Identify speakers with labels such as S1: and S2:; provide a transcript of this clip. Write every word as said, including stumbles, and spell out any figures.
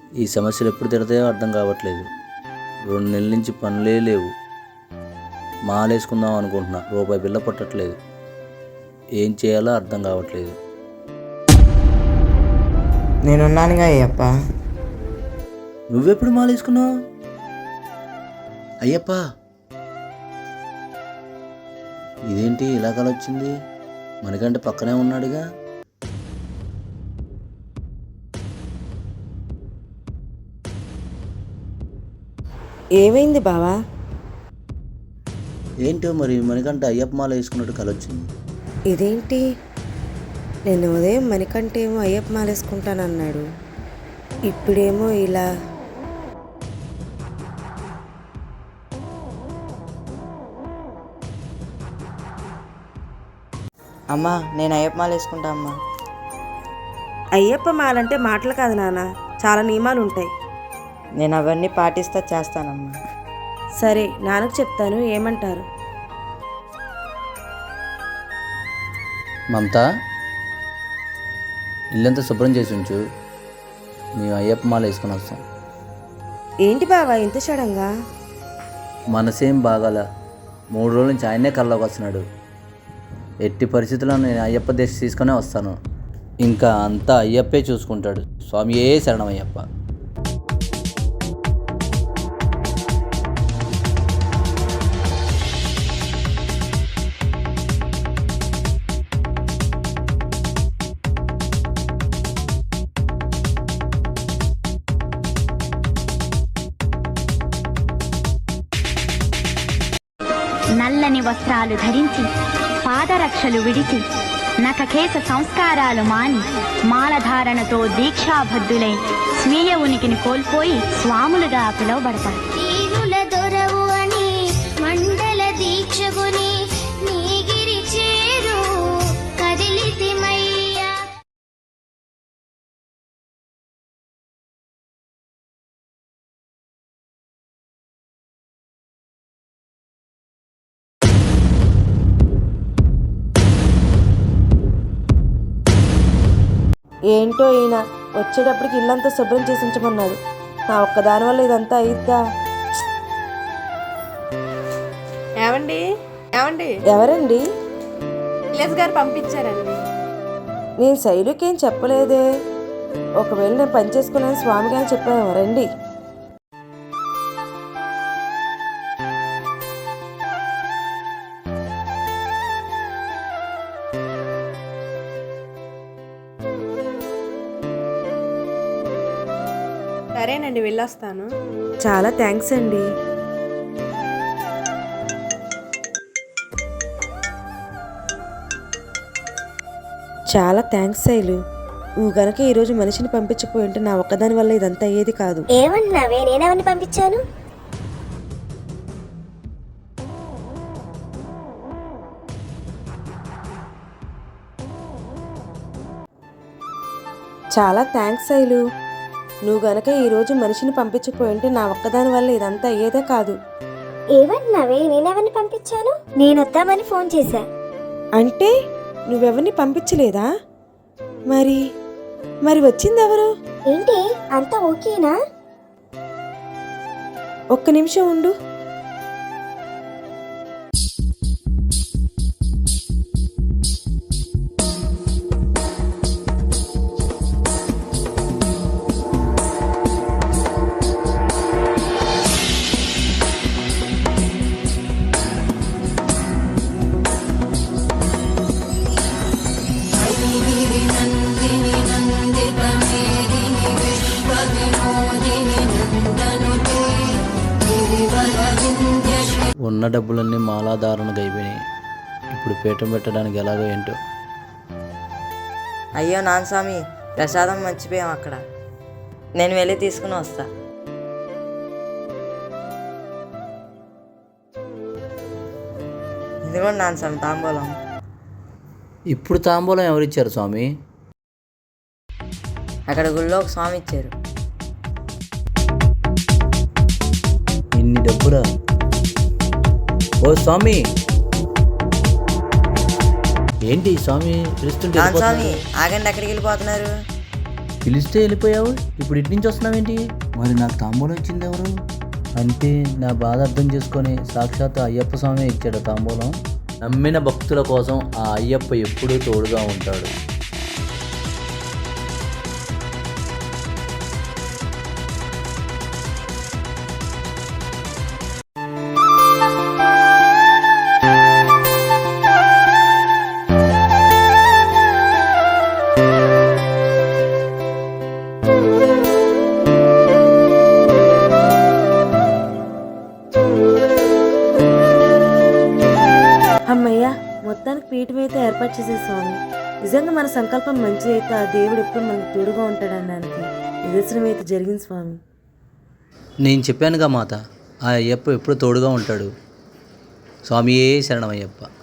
S1: ఈ సమస్యలు ఎప్పుడు తిడతాయో అర్థం కావట్లేదు. రెండు నెలల నుంచి పనులే లేవు. మాలేసుకుందాం అనుకుంటున్నా, రూపాయి బిల్ల పట్టట్లేదు. ఏం చేయాలో అర్థం కావట్లేదు.
S2: నేనున్నానుగా అయ్యప్ప.
S1: నువ్వెప్పుడు మాలేసుకున్నావు? అయ్యప్ప, ఇదేంటి ఇలా కలొచ్చింది? మనకంటే పక్కనే ఉన్నాడుగా.
S3: ఏమైంది బావా?
S1: ఏంటో మరి మనకంటే అయ్యప్ప మాల వేసుకున్నట్టు కలొచ్చింది.
S3: ఇదేంటి, నేను ఉదయం మణికంటే ఏమో అయ్యప్ప మాల వేసుకుంటానన్నాడు, ఇప్పుడేమో ఇలా.
S2: అమ్మా, నేను అయ్యప్ప మాల వేసుకుంటా అమ్మా.
S3: అయ్యప్ప మాలంటే మాటలు కాదు నాన్న, చాలా నియమాలు ఉంటాయి.
S2: నేను అవన్నీ పాటిస్తా చేస్తానమ్మా.
S3: సరే, నాన్నకు చెప్తాను, ఏమంటారు?
S1: మమత, ఇల్లంతా శుభ్రం చేసి ఉంచు, మేము అయ్యప్ప మాల వేసుకుని వస్తాం.
S3: ఏంటి బావా ఇంత సడన్గా?
S1: మనసేం బాగాల, మూడు రోజుల నుంచి ఆయనే కల్లోకి వస్తున్నాడు. ఎట్టి పరిస్థితుల్లో నేను అయ్యప్ప దేశ తీసుకునే వస్తాను. ఇంకా అంతా అయ్యప్పే చూసుకుంటాడు. స్వామియే శరణం అయ్యప్ప.
S4: నల్లని వస్త్రాలు ధరించి పాదరక్షలు విడిచి నఖకేశ సంస్కారాలు మాని మాలధారణతో దీక్షాబద్ధులై స్వీయ ఉనికిని కోల్పోయి స్వాములుగా పిలువబడతారు. మండల దీక్షగుని నీగిరి చేరు కదిలితిమయ్యా.
S3: ఏంటో ఈయన వచ్చేటప్పటికి ఇల్లంతా శుభ్రం చేసి ఉంచమన్నాడు. నా ఒక్కదాని వల్ల ఇదంతా అయిద్దా?
S5: ఏమండి ఏమండి
S3: ఎవరండి?
S5: విలేజ్ గారు పంపించారండి.
S3: నేను శైలుకేం చెప్పలేదే. ఒకవేళ నేను పని చేసుకున్నాను స్వామి గారు చెప్పాను. రండి.
S5: సరేనండి, వెళ్ళొస్తాను.
S3: చాలా థ్యాంక్స్ అండి. చాలా థ్యాంక్స్ శైలు. నువ్వు గనక ఈరోజు మనిషిని పంపించకపోయి ఉంటే నా ఒక్కదాని వల్ల ఇదంతా అయ్యేది కాదు.
S4: ఏమన్నావే? నేనెవరిని పంపించాను?
S3: చాలా థ్యాంక్స్ శైలు. నువ్వు గనక ఈరోజు మనిషిని పంపించకపోయి ఉంటే నా ఒక్కదాని వల్ల ఇదంతా అయ్యేదే కాదు.
S4: ఏమన్నావే? నేనెవరిని పంపించాను? నేను వద్దామని ఫోన్ చేశా.
S3: అంటే నువ్వెవరిని పంపించలేదా? మరి మరి వచ్చింది ఎవరు?
S4: ఏంటి, అంతా ఓకేనా?
S3: ఒక్క నిమిషం ఉండు.
S1: ఉన్న డబ్బులన్నీ మాలాధారణకు అయిపోయినాయి. ఇప్పుడు పీఠం పెట్టడానికి ఎలాగో ఏంటో.
S2: అయ్యో నాన్న స్వామి, ప్రసాదం మర్చిపోయాం అక్కడ. నేను వెళ్ళి తీసుకుని వస్తా. ఇదిగోండి నాన్న స్వామి తాంబూలం.
S1: ఇప్పుడు తాంబూలం ఎవరిచ్చారు స్వామి?
S2: అక్కడ గుళ్ళో ఒక స్వామి ఇచ్చారు.
S1: ఇన్ని డబ్బురా? ఓ స్వామి, ఏంటి స్వామి పిలుస్తుంటే
S2: నాన్న స్వామి ఆగండి, ఎక్కడికి వెళ్ళిపోతున్నారు?
S1: పిలిస్తే వెళ్ళిపోయావు, ఇప్పుడు ఇటు నుంచి వస్తున్నావేంటి? మరి నాకు తాంబూలం ఇచ్చింది ఎవరు? అంటే నా బాధ అర్థం చేసుకొని సాక్షాత్ అయ్యప్ప స్వామి ఇచ్చాడు తాంబూలం. నమ్మిన భక్తుల కోసం ఆ అయ్యప్ప ఎప్పుడూ తోడుగా ఉంటాడు.
S3: అమ్మయ్యా, మొత్తానికి పీఠం అయితే ఏర్పాటు చేసే స్వామి. నిజంగా మన సంకల్పం మంచి అయితే ఆ దేవుడు ఎప్పుడు మనకు తోడుగా ఉంటాడనడానికి నిదర్శనం అయితే జరిగింది స్వామి.
S1: నేను చెప్పానుగా మాత, ఆ అయ్యప్ప ఎప్పుడు తోడుగా ఉంటాడు. స్వామియే శరణమయ్యప్ప.